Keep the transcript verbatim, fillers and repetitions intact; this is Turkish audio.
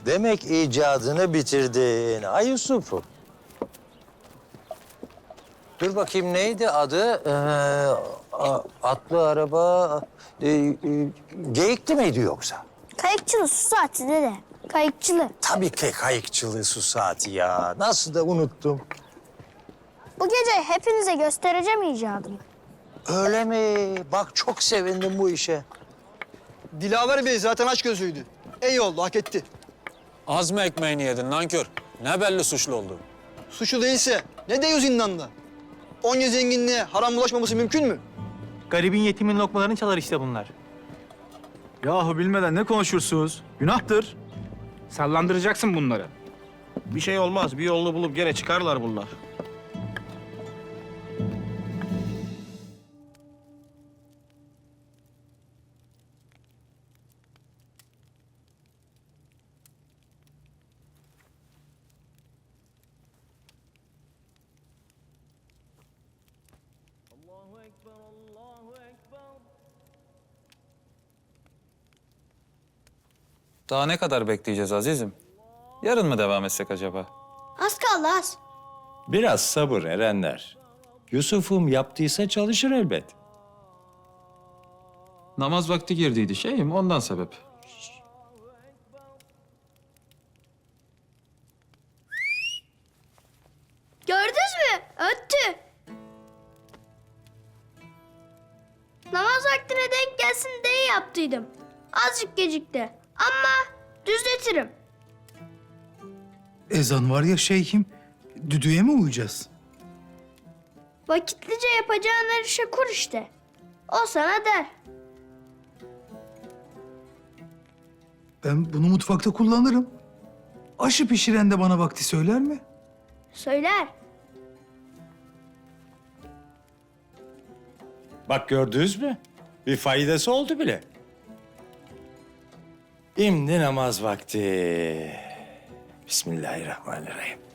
Demek icadını bitirdin. Ay Yusuf'um. Dur bakayım neydi adı? Ee, a- atlı araba... E, e, geyikli miydi yoksa? Kayıkçılı su saati dede. Kayıkçılı. Tabii ki kayıkçılığı su saati ya. Nasıl da unuttum. Bu gece hepinize göstereceğim icadımı. Öyle mi? Bak çok sevindim bu işe. Dilaver Bey zaten aç gözüydü. İyi oldu, hak etti. Az mı ekmeğini yedin nankör? Ne belli suçlu oldu? Suçlu değilse ne diyor zindanda? Onca zenginliğe haram bulaşmaması mümkün mü? Garibin yetimin lokmalarını çalar işte bunlar. Yahu bilmeden ne konuşursunuz? Günahtır. Sallandıracaksın bunları. Bir şey olmaz. Bir yolunu bulup gene çıkarlar bunlar. Daha ne kadar bekleyeceğiz azizim? Yarın mı devam etsek acaba? Az kaldı az. Biraz sabır erenler. Yusuf'um yaptıysa çalışır elbet. Namaz vakti girdiydi şeyim ondan sebep. Gördünüz mü? Öttü. Namaz vaktine denk gelsin diye yaptıydım. Azıcık gecikti. Ama düzletirim. Ezan var ya şeyhim, düdüğe mi uyacağız? Vakitlice yapacağın her işe kur işte. O sana der. Ben bunu mutfakta kullanırım. Aşı pişiren de bana vakti söyler mi? Söyler. Bak gördünüz mü? Bir faydası oldu bile. Şimdi namaz vakti. Bismillahirrahmanirrahim.